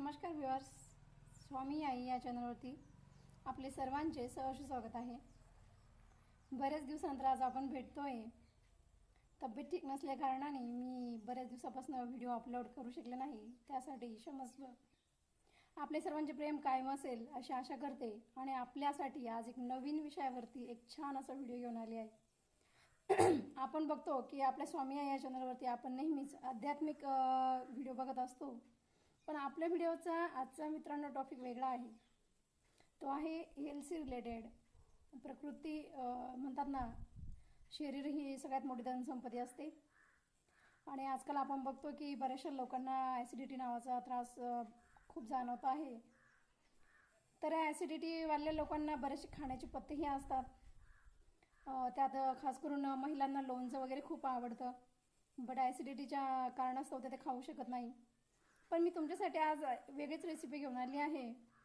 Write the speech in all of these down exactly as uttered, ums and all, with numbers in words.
नमस्कार व्ह्युअर्स, स्वामी आई या चॅनलवरती आपले सर्वांचे सहर्ष स्वागत आहे। बरेच दिवसांतर आज आपण भेटतोय। तब्येत ठीक नसल्या कारणाने मी बरेच दिवसापासून व्हिडिओ अपलोड करू शकले नाही, त्यासाठी क्षमस्व। आपले सर्वांचे प्रेम कायम असेल अशी आशा करते आणि आपल्यासाठी आज एक नवीन विषयावरती एक छान असा व्हिडिओ घेऊन आली आहे। आपण बघतो की आपल्या स्वामी आई या चॅनलवरती आपण नेहमीच आध्यात्मिक व्हिडिओ बघत असतो, पण आपल्या व्हिडिओचा आजचा मित्रांनो टॉपिक वेगळा आहे। तो आहे हेल्थ रिलेटेड। प्रकृती म्हणतात ना, शरीर ही सगळ्यात मोठी धनसंपत्ती असते आणि आजकाल आपण बघतो की बऱ्याचशा लोकांना ॲसिडिटी नावाचा त्रास खूप जाणवत आहे। तर ॲसिडिटी वाल्या लोकांना बरेचसे खाण्याचे पथ्यही असतात। त्यात खास करून महिलांना लोणचं वगैरे खूप आवडतं, बट ॲसिडिटीच्या कारणास्तव ते खाऊ शकत नाही। पण मी तुमच्यासाठी आज वेगळीच रेसिपी घेऊन आली आहे।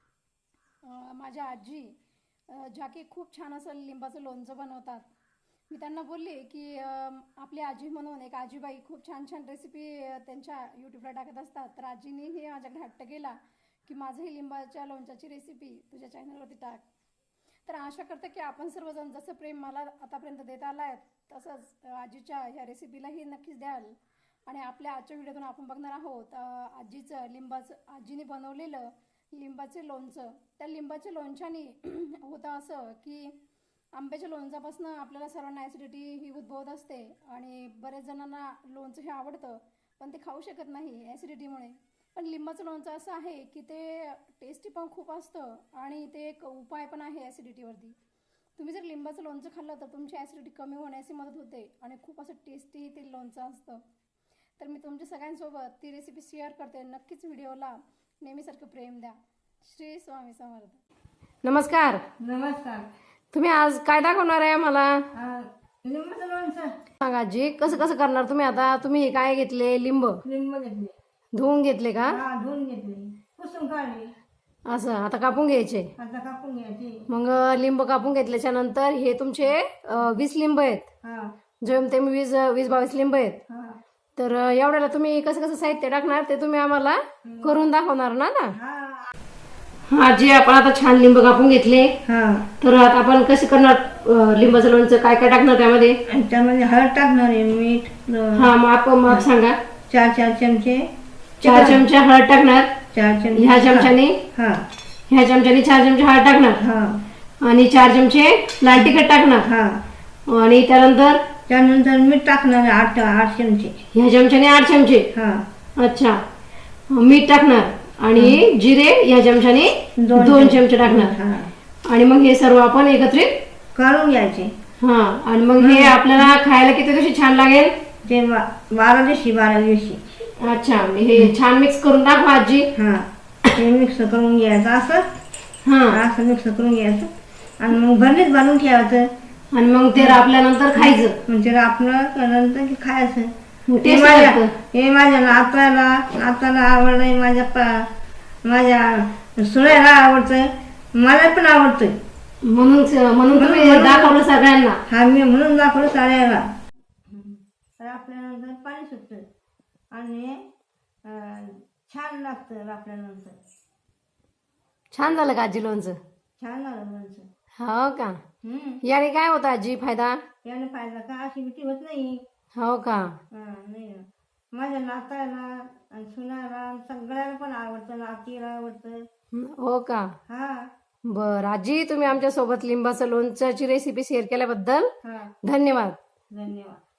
माझ्या आजी ज्या की खूप छान असं लिंबाचं लोणचं बनवतात। मी त्यांना बोलले की आपली आजी म्हणून एक आजीबाई खूप छान छान रेसिपी त्यांच्या यूट्यूबला टाकत असतात, तर आजीनेही माझ्याकडे हट्ट केला की माझंही लिंबाच्या लोणच्याची रेसिपी तुझ्या चॅनलवरती टाक। तर आशा करते की आपण सर्वजण जसं प्रेम मला आतापर्यंत देत आला आहे तसंच आजीच्या ह्या रेसिपीलाही नक्कीच द्याल। आणि आपल्या आजच्या व्हिडिओतून आपण बघणार आहोत आजीचं लिंबाचं आजीने बनवलेलं लिंबाचे लोणचं। त्या लिंबाच्या लोणच्याने होतं असं की आंब्याच्या लोणच्यापासून आपल्याला सर्वांना ॲसिडिटी ही उद्भवत असते आणि बरेच जणांना लोणचं हे आवडतं पण ते खाऊ शकत नाही ॲसिडिटीमुळे। पण लिंबाचं लोणचं असं आहे की ते टेस्टी पण खूप असतं आणि ते एक उपाय पण आहे ॲसिडिटीवरती। तुम्ही जर लिंबाचं लोणचं खाल्लं तर तुमची ॲसिडिटी कमी होण्याची मदत होते आणि खूप असं टेस्टी ते लोणचं असतं। तर मी तुमच्या सगळ्यांसोबत ती रेसिपी शेअर करते, नक्कीच व्हिडिओला नेहमीसारखं प्रेम द्या। श्री स्वामी समर्थ। नमस्कार। नमस्कार। तुम्ही आज काय दाखवणार आहे मला? लिंबाचं लोणचं सांगा आजी, कसं कसं करणार तुम्ही? आता तुम्ही काय घेतले? लिंब लिंब घेतले, धुवून घेतले का? हा धुवून घेतले, पुसून काढले, असं आता कापून घ्यायचे। आता कापून घ्यायचे। मग लिंब कापून घेतल्याच्या नंतर हे तुमचे वीस लिंब आहेत, हा जेमतेम वीस वीस बावीस लिंब आहेत। हा तर एवढ्याला तुम्ही कसं कसं साहित्य टाकणार ते तुम्ही आम्हाला करून दाखवणार ना ना? हा आजी, आपण आता छान लिंब कापून घेतले, हा तर आता आपण कसं करणार लिंबाचं लोणचं? काय काय टाकणार त्यामध्ये? त्यामध्ये हळद टाकणार आहे, मीठ, हा माप माप सांगा। चार चार चमचे चार चमचे हळद टाकणार, चार चमचे ह्या चमच्याने हा ह्या चमच्याने चार चमचे हळद टाकणार, हा आणि चार चमचे लाल तिखट टाकणार, हा आणि त्यानंतर त्यानंतर मीठ टाकणार आहे आठ आठ चमचे, ह्या चमच्याने आठ चमचे। हा अच्छा, मीठ टाकणार आणि जिरे ह्या चमच्याने दोन चमचे टाकणार, हा आणि मग हे सर्व आपण एकत्रित काढून घ्यायचे। हा, आणि मग हे आपल्याला खायला किती दिवशी छान लागेल? ते बा- बारा दिवशी बारा दिवशी अच्छा, हे छान मिक्स करून दाखवा आजी। हा ते मिक्स करून घ्यायचं, असं हा, असं मिक्स करून घ्यायचं आणि मग भरणीत बांधून ठेवायचं आणि मग ते आपल्यानंतर खायचं। म्हणजे आपलं नंतर की खायचं। हे टेस्ट माझ्या लागतं। हे माझ्या नाताला नाताला आवडलंय, माझ्या पा माझ्या सुनेला आवडतं, मला पण आवडतं, म्हणून म्हणून तुम्ही दाखवलं सगळ्यांना। हा मी म्हणून दाखवलं साऱ्याला। तर आपल्यानंतर पाणी सुटतं आणि अं, छान लागतं आपल्यानंतर। छान झालं का आजी लोणचं? छान झालं लोणचं। हो का? हम्म याने काय होतं आजी फायदा? याने फायदा का ऍसिडिटी होत नाही। हो का? हा नाही ना. माझ्या नाताला आणि सुनाला सगळ्याला पण आवडतं, नातीला आवडतं। हो का? हा बर आजी, तुम्ही आमच्या सोबत लिंबाचं लोणच्याची रेसिपी शेअर केल्याबद्दल हा धन्यवाद। धन्यवाद।